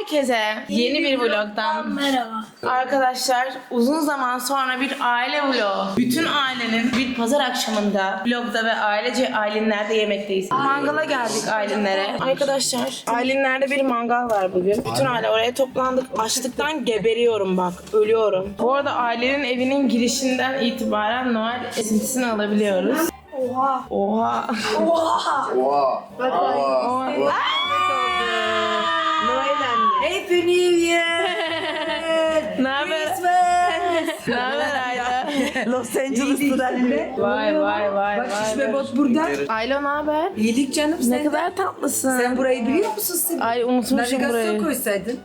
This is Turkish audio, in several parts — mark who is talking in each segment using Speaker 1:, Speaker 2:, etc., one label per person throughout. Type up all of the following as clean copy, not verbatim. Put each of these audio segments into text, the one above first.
Speaker 1: Herkese yeni bir vlogdan
Speaker 2: merhaba.
Speaker 1: Arkadaşlar uzun zaman sonra bir aile vlogu. Bütün ailenin bir pazar akşamında vlogda ve ailece Aylinler'de yemekteyiz. Mangala geldik Aylinler'e. Arkadaşlar Aylinler'de bir mangal var bugün. Bütün aile oraya toplandık. Açlıktan geberiyorum bak. Ölüyorum. Bu arada ailenin evinin girişinden itibaren Noel esintisini alabiliyoruz.
Speaker 2: Oha.
Speaker 1: Oha.
Speaker 2: Oha.
Speaker 3: Oha.
Speaker 1: Oha.
Speaker 2: Happy New Year.
Speaker 1: Ne haber? Ne haber Ayla?
Speaker 2: Los Angeles'ta
Speaker 1: Vay vay vay
Speaker 2: Bak
Speaker 1: vay.
Speaker 2: şişme bot burada.
Speaker 1: Ayla ne haber?
Speaker 2: İyilik canım sen.
Speaker 1: Ne kadar tatlısın.
Speaker 2: Sen burayı biliyor musun sen?
Speaker 1: Ay unutmuşum
Speaker 2: Navigasyon
Speaker 1: burayı.
Speaker 2: koysaydın.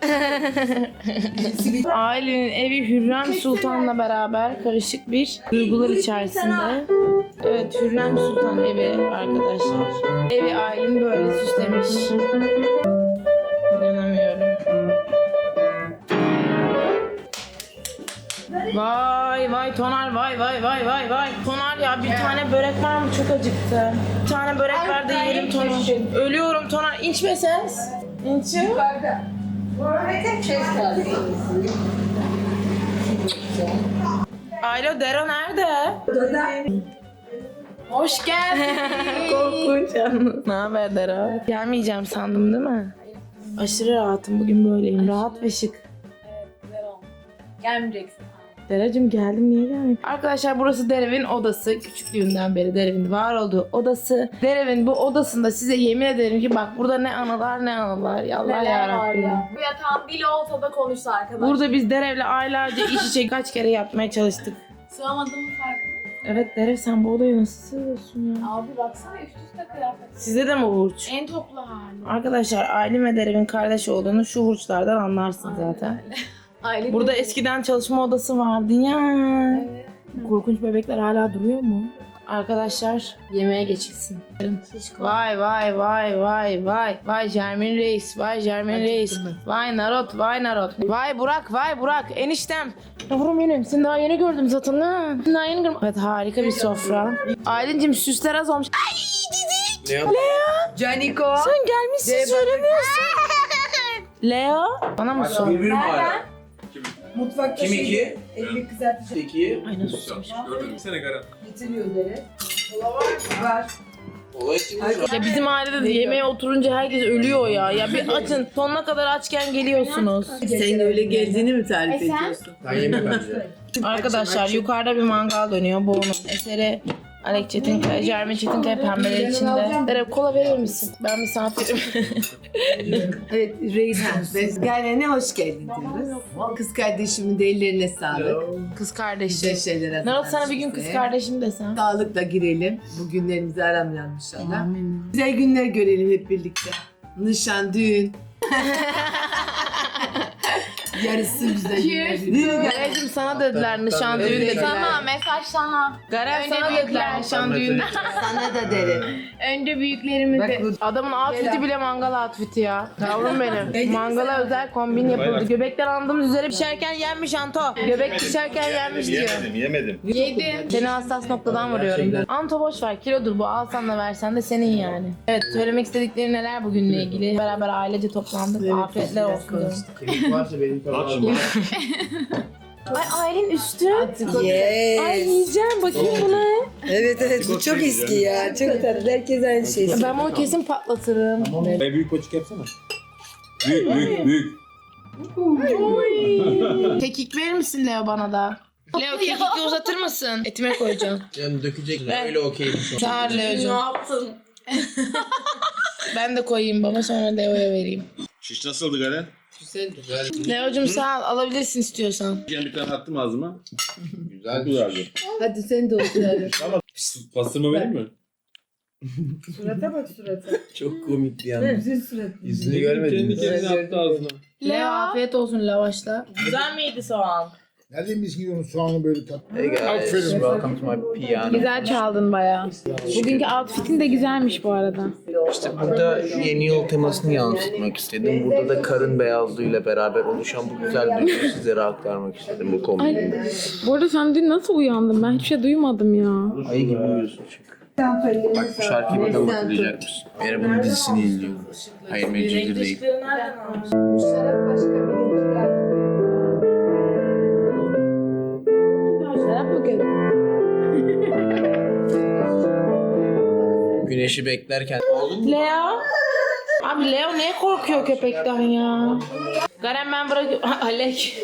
Speaker 1: Ailenin evi Hürrem Sultan'la beraber karışık bir duygular içerisinde. Evet, Hürrem Sultan evi arkadaşlar. Evi Aylin böyle süslemiş. İnanamıyorum. Vay vay Tonar, vay vay vay vay vay. Tonar ya, bir tane börek var mı? Çok acıktı. Bir tane börek ver de yiyelim Tonar. Ölüyorum Tonar. İnçme ses. İnçim. Alo, Dero nerede? Hoş geldin. Korkunç yalnız. Ne haber Dero? Gelmeyeceğim sandım değil mi? Aşırı rahatım, bugün böyleyim. Rahat ve şık.
Speaker 4: Gelmeyeceksin.
Speaker 1: Deracığım geldim, niye gelmeyeyim? Arkadaşlar burası Derev'in odası. Küçüklüğünden beri Derev'in var olduğu odası. Derev'in bu odasında size yemin ederim ki bak burada ne anılar ne anılar. Ya Allah
Speaker 4: Neler var
Speaker 1: yarabbim.
Speaker 4: ya. Bu yatağın dili olsa da konuşsa arkadaş.
Speaker 1: Burada biz Derev'le aylarca iç içe kaç kere yapmaya çalıştık.
Speaker 4: Sığamadığımın farkında.
Speaker 1: Evet Derev, sen bu odaya nasıl sığıyorsun ya?
Speaker 4: Abi baksana üst üste kıyafet.
Speaker 1: Sizde de mi hurç?
Speaker 4: En toplu hali.
Speaker 1: Arkadaşlar Aylin ve Derev'in kardeş olduğunu şu hurçlardan anlarsın zaten.
Speaker 4: Aile
Speaker 1: Burada
Speaker 4: değil.
Speaker 1: eskiden çalışma odası vardı ya.
Speaker 4: Evet.
Speaker 1: Korkunç bebekler hala duruyor mu? Arkadaşlar yemeğe geçilsin. Vay vay vay vay vay. Vay Jermin Reis, vay Jermin Reis. Vay Narot, vay Narot. Vay Burak, vay Burak. Eniştem. Yavrum benim, seni daha yeni gördüm zaten ha. Seni daha yeni gördüm. Evet, harika bir sofra. Aylin'cim süsler az olmuş. Ay Cici. Leo.
Speaker 2: Caniko.
Speaker 1: Sen gelmişsin söylemiyorsun. Leo. Bana mı sor?
Speaker 3: Birbirim hala.
Speaker 2: Mutfakta
Speaker 3: Kim iki?
Speaker 2: ekmek kızartıcı
Speaker 3: İki.
Speaker 1: Ay nasıl susmuş.
Speaker 2: getiriyor dere. Var.
Speaker 3: Olay için mi şu an?
Speaker 1: Ya bizim ailede de yemeğe oturunca herkes ölüyor ya. Ya bir açın. Sonuna kadar açken geliyorsunuz.
Speaker 2: Sen öyle geldiğini mi tarif
Speaker 4: sen?
Speaker 2: ediyorsun?
Speaker 3: Ben yemem bence.
Speaker 1: Arkadaşlar yukarıda bir mangal dönüyor. Bu onun eseri. Alek Çetinkaya, Jermin Çetinkaya pembeler içinde. Derek kola verir misin? Ben misafirim.
Speaker 2: Evet, reis gelene hoş geldin diyoruz. Kız kardeşimin de ellerine sağlık.
Speaker 1: Kız
Speaker 2: Güzel
Speaker 1: kardeşim.
Speaker 2: şeyler
Speaker 1: Narot sana bir gün kız kardeşim desem.
Speaker 2: Sağlıkla girelim. Bu günlerimizi aramayalım inşallah.
Speaker 1: Amin.
Speaker 2: Güzel günler görelim hep birlikte. Nişan, düğün. Yarısı güzel günler.
Speaker 1: Garecim sana dediler nişan düğün dediler.
Speaker 4: Sana mesaj sana.
Speaker 1: Garer
Speaker 4: Önce
Speaker 1: sana
Speaker 4: büyükler.
Speaker 1: dediler nişan düğün.
Speaker 2: Sana da derim.
Speaker 4: Önce büyüklerimizi.
Speaker 2: Bak bu
Speaker 1: Adamın outfit'i bile mangal outfit'i ya. Yavrum benim. Mangala özel kombin yapıldı. Göbekler andığımız üzere pişerken yenmiş Anto. Göbek pişerken yenmiş diyor.
Speaker 5: Yemedim.
Speaker 4: Yedi.
Speaker 1: Seni hassas noktadan vuruyorum. Anto boş ver, kilodur bu, alsan da versen de senin yani. Evet, söylemek istedikleri neler bugünle ilgili? Beraber ailece toplandık. Afiyetler olsun diyorum.
Speaker 3: Kemik varsa benim tabağı.
Speaker 1: Ay Aylin üstü.
Speaker 2: Yes.
Speaker 1: Ay yiyeceğim, bakayım buna.
Speaker 2: Evet bu çok eski ya. Çok tatlı. Herkes aynı şey.
Speaker 1: Ben bunu kesin patlatırım.
Speaker 5: Büyük koçuk yapsana. Büyük.
Speaker 1: Kekik verir misin Leo bana da? Leo kekik uzatır mısın? Etime koyacağım.
Speaker 3: Canım dökecek.
Speaker 1: Ben-
Speaker 3: Öyle okeyim şu an.
Speaker 1: Sağ ol
Speaker 4: Ne
Speaker 1: Leo'cum.
Speaker 4: yaptın?
Speaker 1: Ben de koyayım baba, sonra Leo'ya vereyim.
Speaker 5: Şiş nasıldı Garen?
Speaker 3: Güzel.
Speaker 1: Leo'cum sağ ol, alabilirsin istiyorsan.
Speaker 5: Bir tane attım ağzıma.
Speaker 3: Güzel.
Speaker 5: Güzeldi.
Speaker 2: Hadi sen de oturalım.
Speaker 5: Pastırma vereyim mi?
Speaker 2: Surata bak surata.
Speaker 3: Çok komikti yalnız.
Speaker 2: Güzel surat.
Speaker 3: Yüzünü görmedin mi?
Speaker 5: attı ağzına.
Speaker 1: Leo afiyet olsun lavaşla. Güzel miydi soğan?
Speaker 6: Nereden biz gidiyoruz soğanı böyle tatlı?
Speaker 3: Hey guys,
Speaker 6: Aferin.
Speaker 3: welcome to my piano.
Speaker 7: Güzel çaldın bayağı. Bugünkü outfitin de güzelmiş bu arada.
Speaker 3: İşte burada yeni yıl temasını yansıtmak istedim. Burada da karın beyazlığıyla beraber oluşan bu güzel duyguyu sizlere aktarmak istedim bu kombinle.
Speaker 7: Bu arada sen dün nasıl uyandın? Ben hiçbir şey duymadım ya.
Speaker 3: Ayı gibi uyuyorsun çünkü. Bak bu şarkıyı bakalım hatırlayacak mısın? Merhaba'nın dizisini izliyorum. Hayır Medcezir değil.
Speaker 1: Işıkları nereden almış?
Speaker 2: Bu şarap başka bilinçler.
Speaker 7: Şarap mı kötü?
Speaker 3: Güneşi beklerken
Speaker 1: Leo. Abi Leo niye korkuyor köpekten ya? Garen ben bırakıyorum. Alek.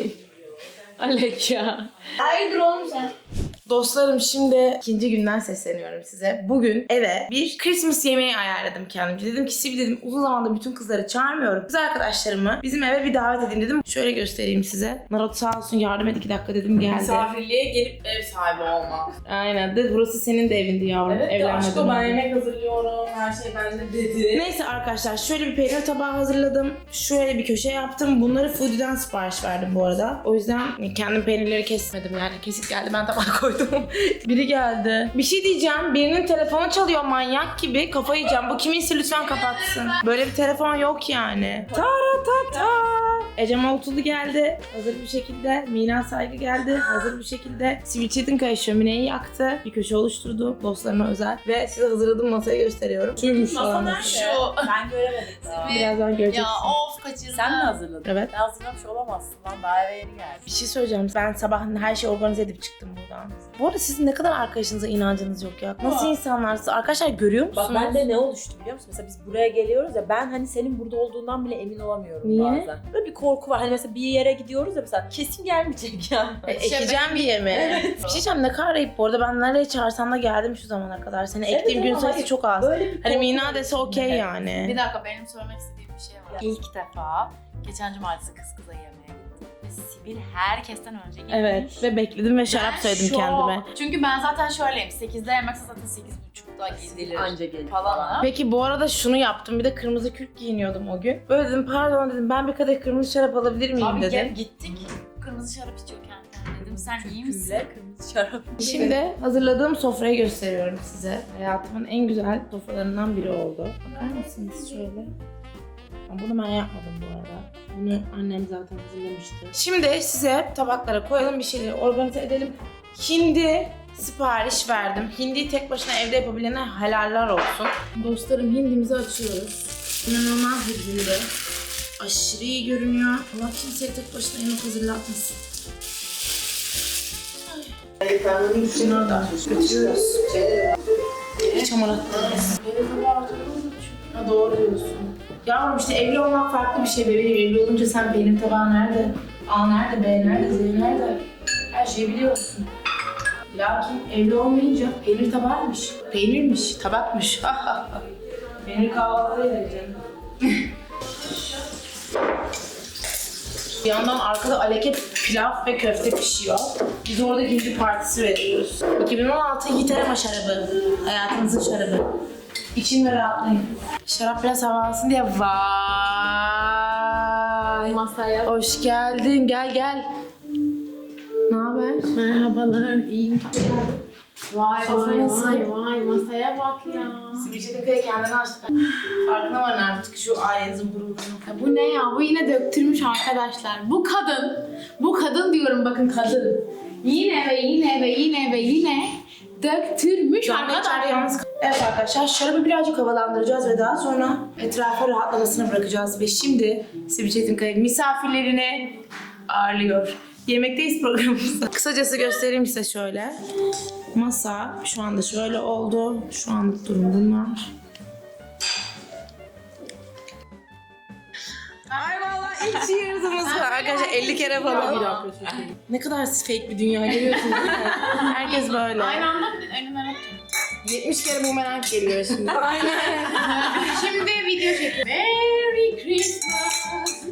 Speaker 1: Alek ya.
Speaker 4: Hayırdır oğlum sen?
Speaker 1: Dostlarım şimdi ikinci günden sesleniyorum size. Bugün eve bir Christmas yemeği ayarladım kendimce. Dedim ki Sibi dedim uzun zamandır bütün kızları çağırmıyorum. Kız arkadaşlarımı bizim eve bir davet edeyim dedim. Şöyle göstereyim size. Narot sağ olsun yardım et 2 dakika dedim geldi.
Speaker 8: Misafirliğe gelip ev sahibi olmak.
Speaker 1: Aynen de burası senin de evindi yavrum.
Speaker 8: Evet de
Speaker 1: Evlenmeden
Speaker 8: aşkım ben
Speaker 1: önce.
Speaker 8: yemek hazırlıyorum. Her şey bende dedi.
Speaker 1: Neyse arkadaşlar şöyle bir peynir tabağı hazırladım. Şöyle bir köşe yaptım. Bunları Foodie'den sipariş verdim bu arada. O yüzden kendim peynirleri kesmedim yani. Kesik geldi ben tabağa koydum. Biri geldi. Bir şey diyeceğim. Birinin telefonu çalıyor manyak gibi. Kafayı yiyeceğim. Bu kiminse lütfen kapatsın. Böyle bir telefon yok yani. Taratata. Ecem Altuğlu geldi. Hazır bir şekilde. Mina Saygı geldi. Hazır bir şekilde. Sivil Çetinkaya şömineyi yaktı. Bir köşe oluşturdu. Dostlarına özel. Ve size hazırladığım masayı gösteriyorum. Şuymuş falan.
Speaker 8: Ben göremedim.
Speaker 1: Birazdan göreceksin.
Speaker 8: Ya of kaçırdım. Sen mi hazırladın?
Speaker 1: Evet.
Speaker 8: Ben hazırlamış olamazsın lan. Daha eve yeni geldim.
Speaker 1: Bir şey söyleyeceğim. Ben sabah her şeyi organize edip çıktım buradan. Bu arada sizin ne kadar arkadaşınıza inancınız yok ya. Nasıl insanlarsınız? Arkadaşlar görüyor musunuz?
Speaker 9: Bak bende ne oluştu biliyor musun? Mesela biz buraya geliyoruz ya ben hani senin burada olduğundan bile emin olamıyorum
Speaker 1: Niye?
Speaker 9: bazen. Böyle bir korku var. Hani mesela bir yere gidiyoruz ya mesela kesin gelmeyecek ya.
Speaker 1: Ekeceğim diye mi? Bir şey diyeceğim ne kadar ayıp bu arada. Ben nereye çağırsan da geldim şu zamana kadar. Seni ektiğim gün
Speaker 9: ama
Speaker 1: sayısı
Speaker 9: hayır,
Speaker 1: çok az.
Speaker 9: Böyle bir
Speaker 1: Hani
Speaker 9: korku
Speaker 1: Mina
Speaker 9: var
Speaker 1: dese okey
Speaker 9: içinde.
Speaker 1: yani.
Speaker 8: Bir dakika benim söylemek istediğim bir şey var. İlk defa geçen cumartesi kız kıza yemeğe gittim. Ve Sibil herkesten önce gitmiş.
Speaker 1: Evet ve bekledim ve şarap
Speaker 8: Ben
Speaker 1: söyledim
Speaker 8: şok.
Speaker 1: kendime.
Speaker 8: Çünkü ben zaten şöyleyim. 8'de yemekse zaten 8.30'da gidilir.
Speaker 9: Anca gelir
Speaker 8: Falan.
Speaker 1: Peki bu arada şunu yaptım. Bir de kırmızı kürk giyiniyordum o gün. Böyle dedim pardon dedim ben bir kadeh kırmızı şarap alabilir miyim
Speaker 8: Abi
Speaker 1: dedim.
Speaker 8: gittik. Kırmızı şarap içiyorken dedim sen iyi misin?
Speaker 9: Külle kırmızı şarap.
Speaker 1: Şimdi hazırladığım sofrayı gösteriyorum size. Hayatımın en güzel sofralarından biri oldu. Bakar mısınız şöyle? Ama bunu ben yapmadım bu arada. Bunu annem zaten hazırlamıştı. Şimdi size tabaklara koyalım bir şeyleri organize edelim. Hindi sipariş verdim. Hindiyi tek başına evde yapabilene helaller olsun. Dostlarım hindimizi açıyoruz. İnanılmaz bir hindi. Aşırı iyi görünüyor. Allah kimseye tek başına yemek hazırlatmasın. Şunu da götürüyoruz. Hiç hamur attınız. Ha, doğru diyorsun. Yavrum işte evli olmak farklı bir şey bebeğim. Evli olunca sen benim tabağım nerede? A nerede? B nerede? Z nerede? Her şeyi biliyorsun. Lakin evli olmayınca peynir tabağıymış. Peynirmiş, tabakmış. Peynir kahvaltıda yiyeceğim. Bir yandan arkada aleket pilav ve köfte pişiyor. Biz orada gizli partisi veriyoruz. 2016 Yiğiterema şarabı. Hayatınızın şarabı. İçin ve rahatlayın. Şarap biraz hava alsın diye vay.
Speaker 7: Masaya.
Speaker 1: Hoş geldin. Gel gel. Ne haber?
Speaker 7: Merhabalar. İyiyim. Vay
Speaker 1: Sofrayı nasıl?
Speaker 7: vay masaya bak ya.
Speaker 1: Sivilce'de kendini açtık. Farkına varın artık şu ailenizin gururunu.
Speaker 7: Bu ne ya? Bu yine döktürmüş arkadaşlar. Bu kadın diyorum bakın kadın. Yine ve yine ve yine ve yine döktürmüş arkadaşlar.
Speaker 1: Evet arkadaşlar şarabı birazcık havalandıracağız ve daha sonra etrafa rahatlamasını bırakacağız. Ve şimdi Sivilce'nin kayıp misafirlerini ağırlıyor. Yemekteyiz programımızda. Kısacası göstereyim size şöyle. Masa şu anda şöyle oldu. Şu anlık durum bunlar. Ay vallahi ilk cheers'ımız var. Arkadaşlar 50 kere falan. Ne kadar fake bir dünya görüyorsunuz değil mi? Herkes böyle.
Speaker 8: Aynı anda önüme
Speaker 1: 70 kere bumerang geliyor şimdi.
Speaker 8: Şimdi video çekiyorum. Merry Christmas.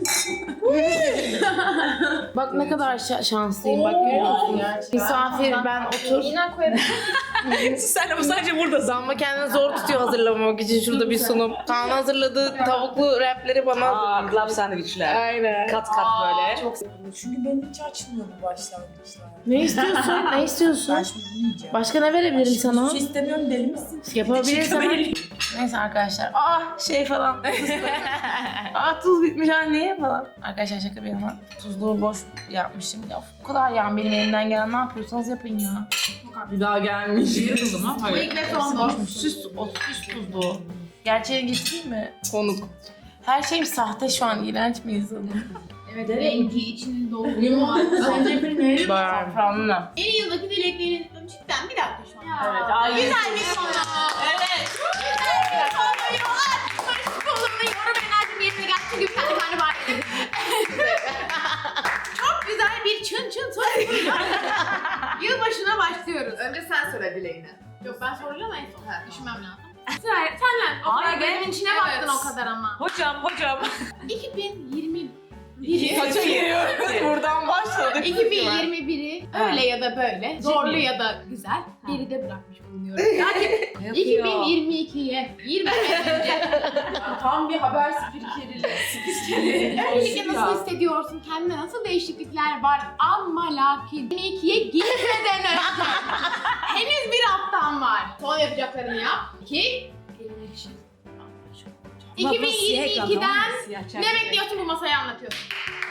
Speaker 1: Bak ne kadar şanslıyım bak görüyor musun? Misafir ben otur.
Speaker 8: Yine koyalım.
Speaker 1: Sen ama sadece burada. Zamba kendini zor tutuyor hazırlamamak için şurada bir sunum. Kaan hazırladığı tavuklu rapleri bana hazırladı.
Speaker 9: Club sandviçler.
Speaker 1: Aynen.
Speaker 9: Kat kat böyle.
Speaker 8: Çok
Speaker 9: Çünkü benim hiç açmıyor bu başlangıçlar.
Speaker 1: Ne istiyorsun? Ne istiyorsun?
Speaker 9: Ben şimdi bunu yiyeceğim.
Speaker 1: Başka ne verebilirim sana?
Speaker 9: Hiç şey istemiyorum deli misin?
Speaker 1: Yapabilirsem. Neyse arkadaşlar. Şey falan. Tuz bitmiş anne falan. Arkadaşlar şaka bir yana. Tuzluğu boş yapmışım. Ya bu kadar yani benim elimden gelen ne yapıyorsanız yapın ya.
Speaker 9: Bir daha gelmiş.
Speaker 7: Bu ilk ve son dost.
Speaker 1: Süs tuzlu. Gerçeğini getireyim mi? Konuk. Her şeyim sahte şu an. İğrenç miyiz oğlum?
Speaker 7: Evet, rengi içini dolduruyor.
Speaker 1: Safranlı.
Speaker 7: Yeni yıldaki dileklerini cidden bir dakika şu an.
Speaker 1: Evet.
Speaker 7: Güzel bir konu. Evet. Güzel bir konu. Barış kolumda yorum enerjim yerine geldi. Çünkü bir tane var dedim. Çok güzel bir çın soruyla yılbaşına başlıyoruz.
Speaker 2: Önce sen söyle dileğini.
Speaker 7: Yok ben soracağım en son. Düşünmem lazım. Sırayla senle. O kadar gözümün içine baktın o kadar ama.
Speaker 9: Hocam.
Speaker 7: 2020
Speaker 1: Kaça giriyoruz? Buradan başladık.
Speaker 7: 2021'i öyle ya da böyle, zorlu ya da güzel geride bırakmış bulunuyorum. Yani 2022'ye 20'den önce
Speaker 9: Tam bir haber spikeri.
Speaker 7: öncelikle nasıl hissediyorsun? Kendine nasıl değişiklikler var? Ama lakin 2022'ye girmeden önce henüz bir haftan var. Son yapacaklarını yap. 2022'den ne bekliyorsun bu masaya anlatıyorsun?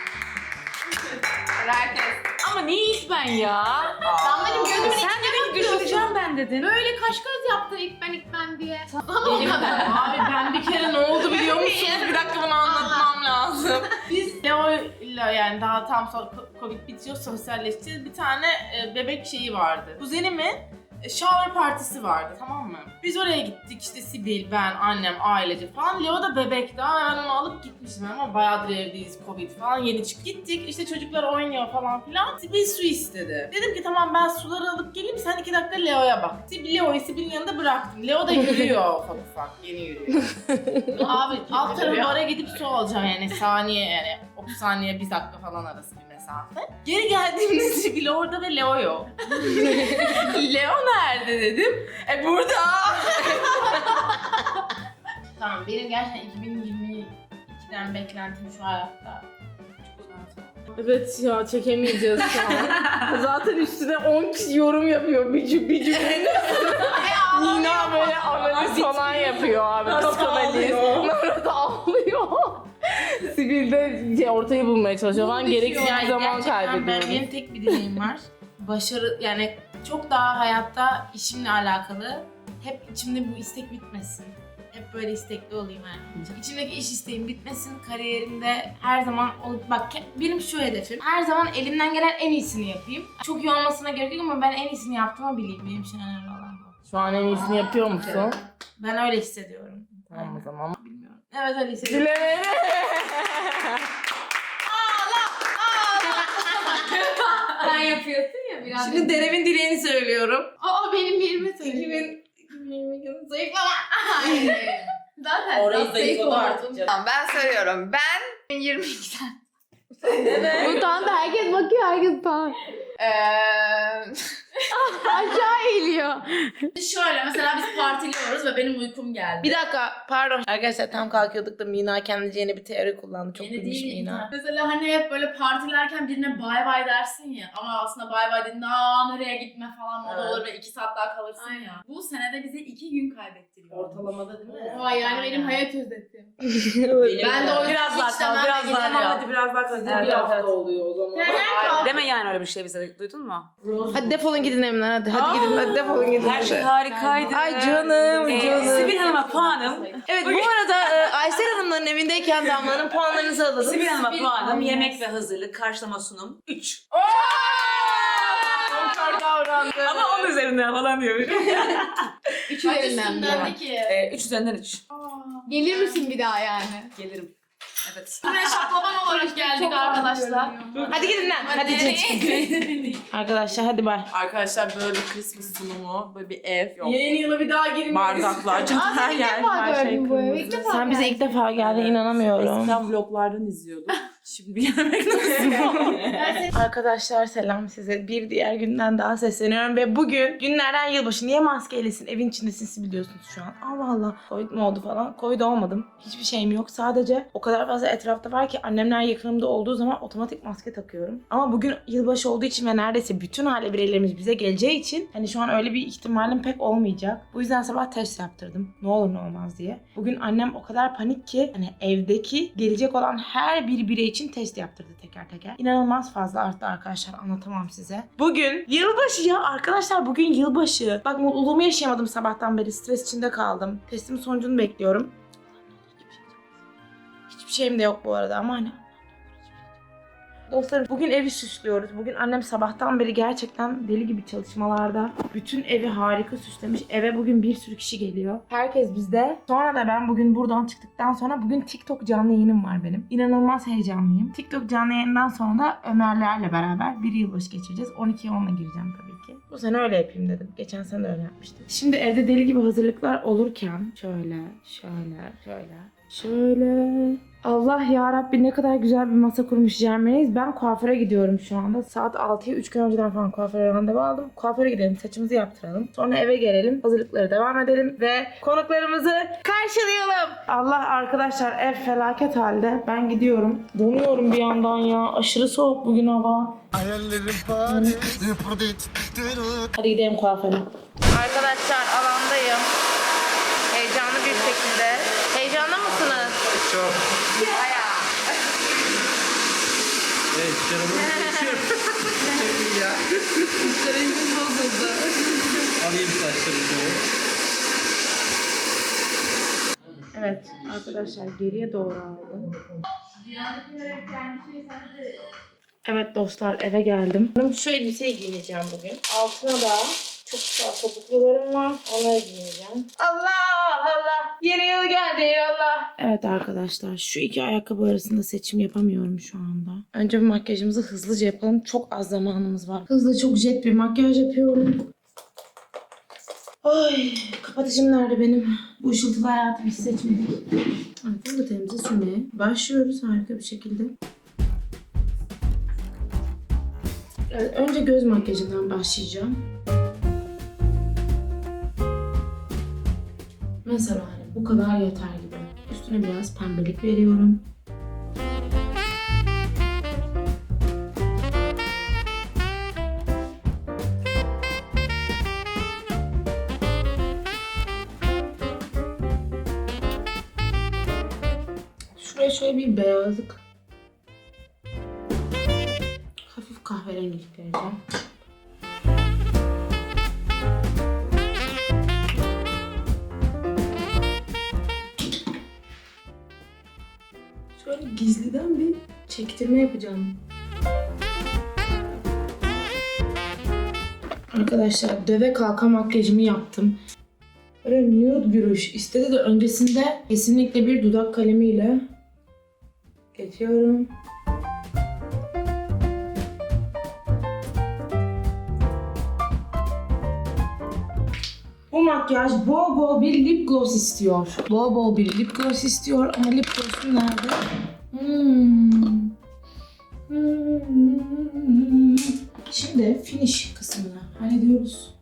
Speaker 7: Herkes.
Speaker 9: Ama neyiz ben ya?
Speaker 7: Damlacığım gözümün içine bakıyorsun.
Speaker 9: Düşüneceğim ben dedin.
Speaker 7: Böyle kaş göz yaptı ilk ben diye. Ama o kadar.
Speaker 1: Abi ben bir kere ne oldu biliyor musunuz? Bir dakika bunu anlatmam lazım. Biz Leo'yla yani daha tam sonra Covid bitiyor sosyalleşeceğiz. Bir tane bebek şeyi vardı. Kuzenimin shower partisi vardı, tamam mı? Biz oraya gittik işte Sibil, ben, annem, ailece falan. Leo da bebek daha, hemen onu alıp gitmiştim ama bayağıdır evdeyiz, Covid falan yeni çıktık. Gittik işte çocuklar oynuyor falan filan. Sibil su istedi. Dedim ki tamam ben suları alıp geleyim, sen 2 dakika Leo'ya bak. Leo'yu Sibil'in yanında bıraktım. Leo da yürüyor ufak ufak, yeni yürüyor. Abi alt tarafı bara gidip su alacağım yani saniye yani 30 saniye 1 dakika falan arası bir mesafe. Geri geldiğimde Sibil orada ve Leo yok. Leo nerede dedim. Burada. Tamam benim gerçekten 2022'den beklentim şu hayatta. Evet ya çekemeyeceğiz şu an. Zaten üstüne 10 kişi yorum yapıyor bir cümle. Nina böyle analiz falan yapıyor abi. Çok analiz. Nara da ağlıyor. Sibil de ortayı bulmaya çalışıyor falan. Gereksiz bir zaman kaybediyoruz. Benim tek bir dileğim var. Başarı yani çok daha hayatta işimle alakalı. Hep içimde bu istek bitmesin. Hep böyle istekli olayım yani. İçimdeki iş isteğim bitmesin. Kariyerimde her zaman bak benim şu hedefim. Her zaman elimden gelen en iyisini yapayım. Çok iyi olmasına gerek yok ama ben en iyisini yaptığımı bileyim. Benim için önemli olan bu. Şu an en iyisini yapıyor musun? Ben öyle hissediyorum. Tamam o zaman. Bilmiyorum. Evet öyle hissediyorum. Dileğini.
Speaker 7: Sen yapıyorsun ya biraz.
Speaker 1: Şimdi Derev'in dileğini söylüyorum.
Speaker 7: Aa benim yerime söyle.
Speaker 1: 2022
Speaker 7: Zayıflama. Hayır. Zaten
Speaker 9: Orayı
Speaker 7: zayıf
Speaker 9: zayıfladı artık
Speaker 7: oldun.
Speaker 9: canım.
Speaker 2: Tamam ben söylüyorum. Ben 22'den.
Speaker 7: Utandı herkes bakıyor herkes falan. Aşağı eğiliyor.
Speaker 1: Şöyle mesela biz partiliyoruz ve benim uykum geldi. Bir dakika pardon. Arkadaşlar tam kalkıyorduk da Mina kendince yeni bir teori kullandı. Çok bilmiş Mina.
Speaker 8: Mesela hani hep böyle partilerken birine bay bay dersin ya ama aslında bay bay dediğinde nereye gitme falan o da olur ve 2 saat daha kalırsın ya. Bu senede bize 2 gün kaybettiriyor.
Speaker 1: Ortalamada değil mi?
Speaker 7: Vay yani benim hayat özetim.
Speaker 8: Ben de o
Speaker 9: Biraz daha kal, biraz daha kal.
Speaker 8: Hadi biraz daha kal.
Speaker 9: Evet,
Speaker 8: Bir hafta
Speaker 9: evet.
Speaker 8: oluyor o zaman.
Speaker 9: Deme yani öyle bir şey bize. Duydun mu?
Speaker 1: Hadi defolun gidin evimden hadi. Hadi gidin. Hadi defolun gidin.
Speaker 9: Her şey
Speaker 1: hadi.
Speaker 9: harikaydı.
Speaker 1: Ay canım canım.
Speaker 9: Sibil Hanım'a puanım.
Speaker 1: Evet bu arada Aysel Hanımların evindeyken Damla'nın puanlarınızı alalım.
Speaker 9: Sibil Hanım'a puanım. Yemek ve hazırlık, karşılama sunum 3.
Speaker 1: Çok davrandı.
Speaker 9: Ama 10 üzerinden falan diyorum.
Speaker 7: 3 üzerinden
Speaker 8: Üstünden
Speaker 7: de.
Speaker 8: de ki.
Speaker 9: 3 üzerinden 3.
Speaker 7: Gelir misin bir daha yani?
Speaker 9: Gelirim. Evet.
Speaker 8: Buraya şaklaban olarak geldik arkadaşlar.
Speaker 1: Hadi gidin lan. Hadi çık. Arkadaşlar hadi bay.
Speaker 10: Arkadaşlar böyle bir Christmas sunumu, böyle bir ev yok.
Speaker 1: Yeni yıla bir daha girmeyiz.
Speaker 10: Bardaklar, çatal
Speaker 7: İlk
Speaker 10: yer,
Speaker 7: defa
Speaker 10: her şey
Speaker 7: gördüm bu evi.
Speaker 10: kırmızı.
Speaker 7: İlk defa
Speaker 1: Sen bize ilk defa geldin inanamıyorum.
Speaker 10: Eskiden vloglardan izliyordum. Şimdi yemek nasıl?
Speaker 1: Arkadaşlar selam size. Bir diğer günden daha sesleniyorum ve bugün günlerden yılbaşı. Niye maskelisin? Evin içindesin biliyorsunuz şu an. Allah Allah. Covid mi oldu falan? Covid olmadım. Hiçbir şeyim yok. Sadece o kadar fazla etrafta var ki annemler yakınımda olduğu zaman otomatik maske takıyorum. Ama bugün yılbaşı olduğu için ve neredeyse bütün aile bireylerimiz bize geleceği için hani şu an öyle bir ihtimalim pek olmayacak. Bu yüzden sabah test yaptırdım. Ne olur ne olmaz diye. Bugün annem o kadar panik ki hani evdeki gelecek olan her bir birey için test yaptırdı teker teker. İnanılmaz fazla arttı arkadaşlar, anlatamam size. Bugün yılbaşı ya arkadaşlar, bugün yılbaşı. Bak mutluluğumu yaşayamadım sabahtan beri, stres içinde kaldım. Testimin sonucunu bekliyorum. Hiçbir şeyim de yok bu arada ama hani. Dostlarım bugün evi süslüyoruz. Bugün annem sabahtan beri gerçekten deli gibi çalışmalarda. Bütün evi harika süslemiş. Eve bugün bir sürü kişi geliyor. Herkes bizde. Sonra da ben bugün buradan çıktıktan sonra bugün TikTok canlı yayınım var benim. İnanılmaz heyecanlıyım. TikTok canlı yayından sonra da Ömerlerle beraber bir yılbaşı geçireceğiz. 12'ye 10'la gireceğim tabii ki. Bu sene öyle yapayım dedim. Geçen sene de öyle yapmıştım. Şimdi evde deli gibi hazırlıklar olurken şöyle. Allah ya Rabbi, ne kadar güzel bir masa kurmuş Cermeyiz. Ben kuaföre gidiyorum şu anda. Saat 6'ya 3 gün önceden falan kuaföre randevu aldım. Kuaföre gidelim, saçımızı yaptıralım. Sonra eve gelelim, hazırlıkları devam edelim ve konuklarımızı karşılayalım. Allah arkadaşlar, ev felaket halde. Ben gidiyorum. Donuyorum bir yandan ya. Aşırı soğuk bugün hava. Hadi gidelim kuaföre. Arkadaşlar alandayım. Heyecanlı bir şekilde. Heyecanlı mısınız?
Speaker 3: Çok.
Speaker 1: Bayağı.
Speaker 3: Evet,
Speaker 10: Psikolojimiz bozuldu.
Speaker 3: alayım saçlarımı.
Speaker 1: Evet arkadaşlar, geriye doğru aldım. Evet dostlar, eve geldim. Şu elbiseyi giyineceğim bugün. Altına da çok güzel topuklularım var. Onları giyineceğim. Allah! Yeni yıl geldi Allah! Evet arkadaşlar, şu iki ayakkabı arasında seçim yapamıyorum şu anda. Önce bir makyajımızı hızlıca yapalım. Çok az zamanımız var. Hızlı, çok jet bir makyaj yapıyorum. Ay, kapatıcım nerede benim? Bu ışıltılı hayatı biz seçmedik. Evet, fondötenimizi sürmeye başlıyoruz harika bir şekilde. Evet, önce göz makyajından başlayacağım. Mesela hani bu kadar yeter gibi. Üstüne biraz pembelik veriyorum. Şuraya şöyle bir beyazlık. Hafif kahverengilik vereceğim. Şöyle gizliden bir çektirme yapacağım. Arkadaşlar döve kalka makyajımı yaptım. Böyle nude bir ruj istedi de öncesinde kesinlikle bir dudak kalemiyle geçiyorum. Bu makyaj bol bol bir lip gloss istiyor. Bol bol bir lip gloss istiyor ama lip gloss'um nerede? Şimdi finish kısmını hallediyoruz.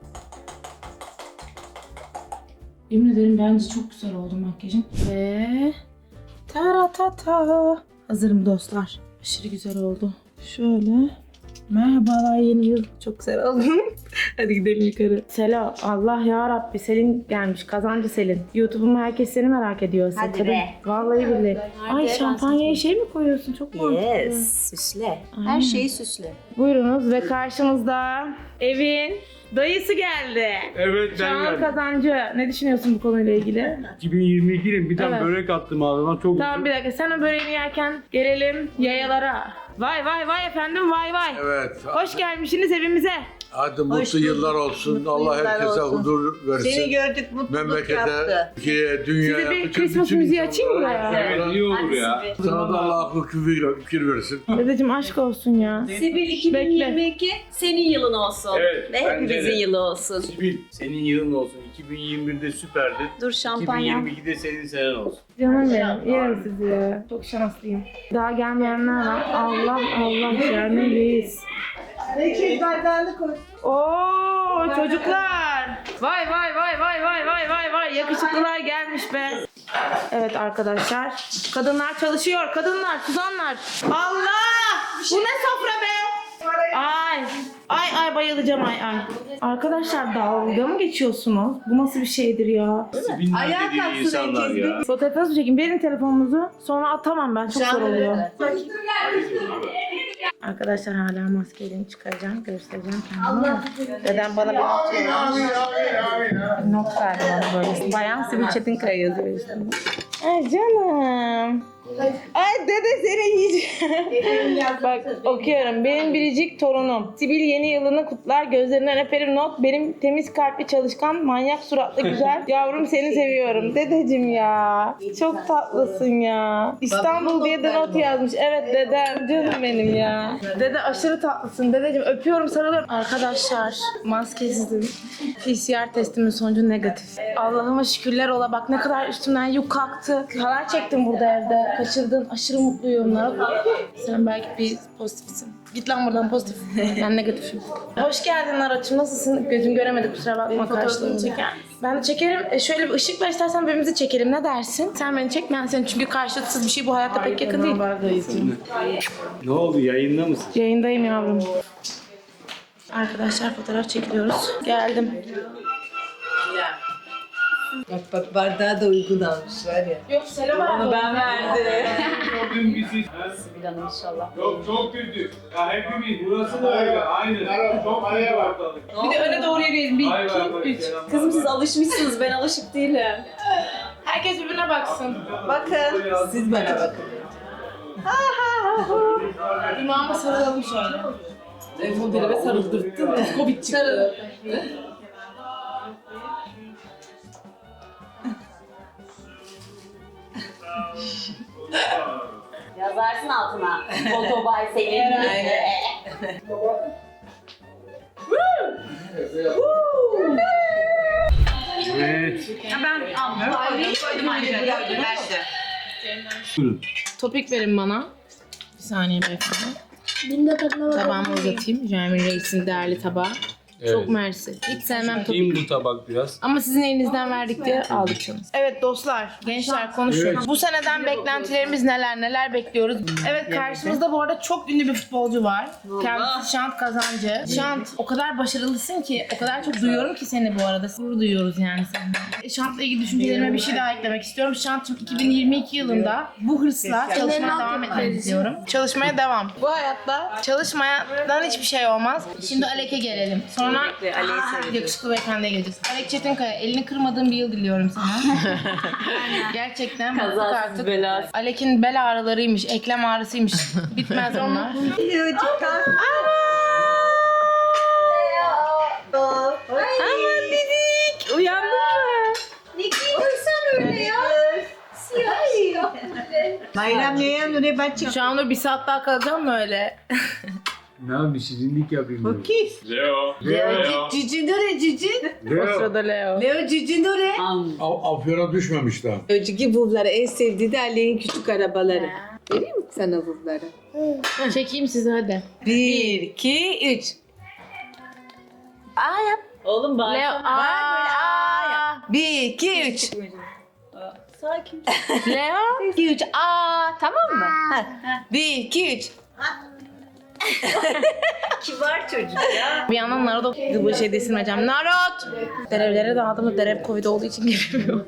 Speaker 1: Yemin ederim bence çok güzel oldu makyajım. Ve taratata. Hazırım dostlar. Aşırı güzel oldu. Şöyle. Merhabalar, yeni yıl. Çok güzel oldum. Hadi gidelim yukarı. Selam. Allah ya Rabbi, Selin gelmiş. Kazancı Selin. YouTube'um, herkes seni merak ediyor.
Speaker 9: Hadi
Speaker 1: Kadın.
Speaker 9: be.
Speaker 1: Vallahi billahi. Ay, şampanyaya şey mi koyuyorsun? Çok mantıklı.
Speaker 9: Yes, süsle.
Speaker 1: Aynen.
Speaker 9: Her şeyi süsle.
Speaker 1: Buyurunuz ve karşımızda evin dayısı geldi.
Speaker 5: Evet
Speaker 1: Çağan Kazancı. Ne düşünüyorsun bu konuyla ilgili?
Speaker 5: 2022'nin bir tane
Speaker 1: Evet.
Speaker 5: börek attım ağzıma çok
Speaker 1: Tamam, bir dakika. Sen o böreğini yerken gelelim yayalara. Vay vay vay efendim, vay vay.
Speaker 6: Evet.
Speaker 1: Hoş gelmişsiniz evimize.
Speaker 6: Hadi mutlu yıllar olsun.
Speaker 9: Mutlu
Speaker 6: Allah
Speaker 9: yıllar
Speaker 6: herkese
Speaker 9: olsun.
Speaker 6: huzur versin.
Speaker 9: Seni gördük, mutluluk
Speaker 6: Memlekete,
Speaker 9: yaptı.
Speaker 6: Türkiye'ye, dünyaya.
Speaker 1: Size bir
Speaker 6: bütün
Speaker 1: Christmas müziği açayım mı
Speaker 6: insanlara-
Speaker 1: ya?
Speaker 5: Evet, iyi olur ya.
Speaker 6: Sana da Allah akıl fikir versin.
Speaker 1: Dedeciğim aşk olsun ya.
Speaker 9: Sibil 2022 senin yılın olsun.
Speaker 5: Evet,
Speaker 9: Ve
Speaker 5: bence
Speaker 9: hepimizin
Speaker 5: de.
Speaker 9: yılı olsun.
Speaker 5: Sibil, senin yılın olsun. 2021'de süperdi.
Speaker 9: Dur şampanya.
Speaker 5: 2022'de senin senen olsun.
Speaker 1: Canım benim, yerim sizi ya. Çok şanslıyım. Daha gelmeyenler var. Allah Allah, Cermeyiz. Oo çocuklar. Vay vay vay vay vay vay vay vay. Yakışıklılar gelmiş be. Evet arkadaşlar. Kadınlar çalışıyor. Kadınlar, suzanlar. Allah! Bu ne sofra be? Aa Ay bayılacağım ay. Arkadaşlar dalga mı geçiyorsunuz? Bu nasıl bir şeydir ya?
Speaker 5: Bilmem
Speaker 2: Ayağa
Speaker 5: dediği
Speaker 2: kalksın
Speaker 5: insanlar
Speaker 2: herkes
Speaker 5: ya.
Speaker 1: Fotoğrafınızı çekin. Verin telefonunuzu. Sonra atamam ben. Çok zor oluyor. Arkadaşlar hala maskeyi çıkaracağım. Göstereceğim kendime. Neden bana bir not veriyor? Not verdi bana böyle. Bayan Sibel Çetinkaya yazıyor işte. Ay canım. Ay dede seni yiyeceğim. Bak okuyorum. Benim biricik torunum. Sibil yeni yılını kutlar. Gözlerinden öperim not. Benim temiz kalpli çalışkan, manyak suratlı güzel. Yavrum seni seviyorum. Dedeciğim ya. Çok tatlısın ya. İstanbul diye de not yazmış. Evet dedem. Canım benim ya. Dede aşırı tatlısın. Dedeciğim öpüyorum sarılıyorum. Arkadaşlar maskesizim. PCR testimin sonucu negatif. Allah'ıma şükürler ola. Bak ne kadar üstümden yük kalktı. Halay çektim burada evde. Kaçırdın. Aşırı mutluyum. Sen belki bir pozitifsin. Git lan buradan pozitif. Ben negatifim. Hoş geldin Narat'cığım. Nasılsın? Gözüm göremedi kusura bakma karşılığını. Ben de çekerim. Şöyle bir ışık ver istersen birbirimizi çekelim. Ne dersin? Sen beni çek ben seni. Çünkü karşılıksız bir şey bu hayatta pek yakın değil.
Speaker 5: Ne oldu yayında mısın?
Speaker 1: Yayındayım yavrum. Arkadaşlar fotoğraf çekiliyoruz. Geldim.
Speaker 2: Bak bardağı da uygun almış var ya.
Speaker 1: Yok selam abi.
Speaker 9: Ben verdim.
Speaker 5: Gördüm bizi.
Speaker 9: Sibil Hanım inşallah.
Speaker 5: Çok kötü. Ya hepimiz burası da öyle. Aynen. Çok araya baktık.
Speaker 1: Bir de öne doğru yürüyelim. 1, 2, 3.
Speaker 9: Kızım siz alışmışsınız, ben alışık değilim.
Speaker 1: Herkes birbirine baksın.
Speaker 9: Bakın.
Speaker 2: Siz bana bakın.
Speaker 1: İmama sarılalım şöyle.
Speaker 10: Telefon telebe sarıldırttın. Covid çıktı.
Speaker 9: Yazarsın altına. Otobay senin.
Speaker 5: Evet.
Speaker 1: Topik verin bana. Bir saniye beyefendi. Tabağımı uzatayım. Jeremy Reis'in değerli tabağı. Çok mersi. Hiç sevmem topik.
Speaker 5: Kim bu tabak biraz?
Speaker 1: Ama sizin elinizden verdik diye aldık canım. Evet dostlar, gençler konuşuyoruz. Bu seneden beklentilerimiz neler bekliyoruz. Evet karşımızda bu arada çok ünlü bir futbolcu var. Kendisi Şant Kazancı. Şant o kadar başarılısın ki, o kadar çok duyuyorum ki seni bu arada. Gurur duyuyoruz yani senden. Şant'la ilgili düşüncelerime bir şey daha eklemek istiyorum. Şant'cığım 2022 yılında bu hırsla çalışmaya devam etmeni istiyorum. Çalışmaya devam. Bu hayatta çalışmadan hiçbir şey olmaz. Şimdi Alek'e gelelim. Sonra yakışıklı beyefendiye geleceğiz. Alek Çetinkaya, elini kırmadığın bir yıl diliyorum sana. Gerçekten bıktık artık.
Speaker 9: belası.
Speaker 1: Alek'in bel ağrılarıymış, eklem ağrısıymış. Bitmez onlar. Aman dedik. Uyandın mı?
Speaker 2: Bayram ne bacı?
Speaker 1: Şu an bir saat daha kalacağım mı öyle?
Speaker 5: Ne yapayım şirinlik yapayım.
Speaker 2: Bu kim?
Speaker 5: Leo.
Speaker 2: Cici nore cici?
Speaker 1: O sırada Leo.
Speaker 2: Leo cici nore?
Speaker 6: Afyona düşmemiş daha.
Speaker 2: Önceki vuvları en sevdiği de Ali'nin küçük arabaları. Vereyim mi sana vuvları?
Speaker 1: Çekeyim sizi hadi.
Speaker 2: 1, 2, 3. Aa yap.
Speaker 9: Oğlum bak.
Speaker 1: Leo. Aa.
Speaker 2: 1, 2, 3.
Speaker 9: Sakin.
Speaker 1: Leo.
Speaker 2: 2, 3. Aa tamam mı? 1, 2, 3.
Speaker 9: Kibar çocuk ya.
Speaker 1: Bir yandan Narot okudu bu şey desilmeyeceğim. Narot! Derevlere dağıldım da derev Covid olduğu için gelemiyor.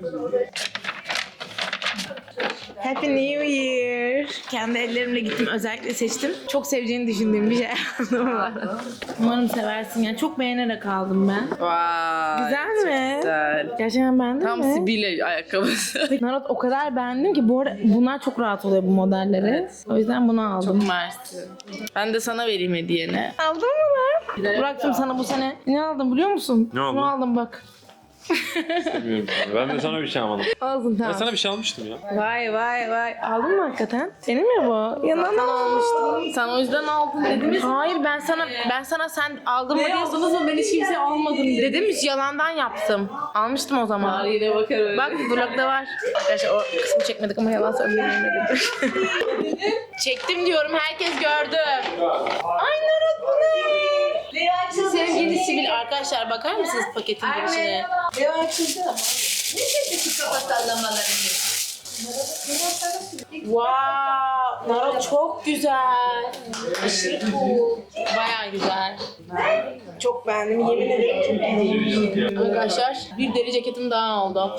Speaker 1: Happy New Year. Kendi ellerimle gittim özellikle seçtim. Çok seveceğini düşündüğüm bir şey aldım. Umarım seversin ya. Çok beğenerek aldım ben.
Speaker 10: Vay.
Speaker 1: Güzel mi?
Speaker 10: Güzel.
Speaker 1: Gerçekten beğendin
Speaker 10: Tam
Speaker 1: mi?
Speaker 10: Sibile ayakkabısı.
Speaker 1: Narot o kadar beğendim ki bu arada bunlar çok rahat oluyor bu modelleri. O yüzden bunu aldım.
Speaker 10: Çok mersi. Ben de sana vereyim hediyeni.
Speaker 1: Aldın mı lan? Bıraktım sana bu sene. Ne aldım biliyor musun?
Speaker 11: Ne aldın?
Speaker 1: Bunu aldım bak.
Speaker 11: Bilmiyorum. Ben de sana bir şey almadım.
Speaker 1: Aldım
Speaker 11: Ben
Speaker 1: tamam.
Speaker 11: sana bir şey almıştım ya.
Speaker 1: Vay. Aldın mı hakikaten? Senin mi bu? Yanından almıştım.
Speaker 10: Sen o yüzden aldın dedim.
Speaker 1: Hayır ben sana sen aldın mı diye
Speaker 10: Aldınız mı? Ben hiç kimseye almadım dedim.
Speaker 1: dedim hiç yalandan yaptım. Almıştım o zaman.
Speaker 10: Tarihine bakar öyle.
Speaker 1: Bak vlogda var. Arkadaşlar o kısmı çekmedik ama yalan söylemeyemedim. Çektim diyorum herkes gördü. Ay Narut bu ne? Sevgili Sibel arkadaşlar bakar mısınız paketin girişine?
Speaker 2: Leo açıldı ama. Ne dedi şu kafa sallamalarını?
Speaker 1: Wow. Nara çok güzel. Aşırı cool. Bayağı güzel. Çok beğendim. Yemin ederim çok iyi.
Speaker 7: Arkadaşlar bir deri ceketim daha oldu.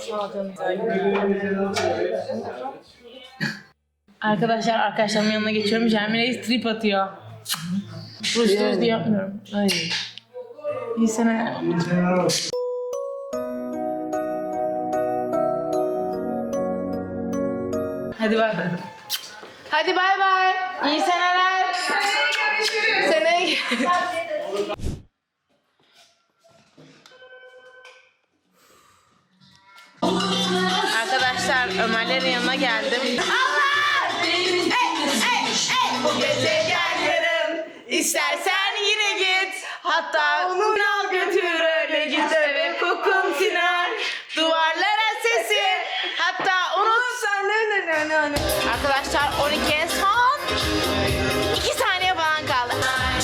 Speaker 1: Arkadaşlar arkadaşlarımın yanına geçiyorum. Jeremy Reis trip atıyor. Rujlarız diye yapmıyorum. Ay. İyi sene. Hadi bay bay. Hadi bay bay. İyi seneler. Seneye Arkadaşlar Ömerlerin yanına geldim. Allah! Bu gece gel yarın. İstersen yine git. Hatta onu al götür öyle git eve kokun siner. Duvarlara sesi. Hatta unutsan ne. Arkadaşlar 12'ye son 2 saniye falan kaldı.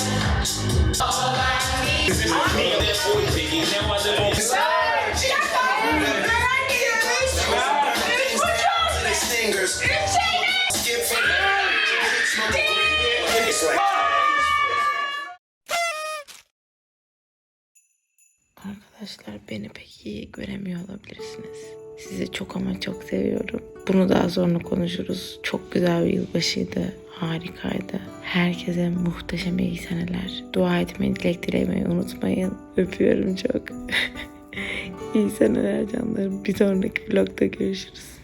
Speaker 1: Arkadaşlar beni pek iyi göremiyor olabilirsiniz. Sizi çok ama çok seviyorum. Bunu daha sonra konuşuruz. Çok güzel bir yılbaşıydı. Harikaydı. Herkese muhteşem iyi seneler. Dua etmeyi, dilek dilemeyi unutmayın. Öpüyorum çok. İyi seneler canlarım. Bir sonraki vlogda görüşürüz.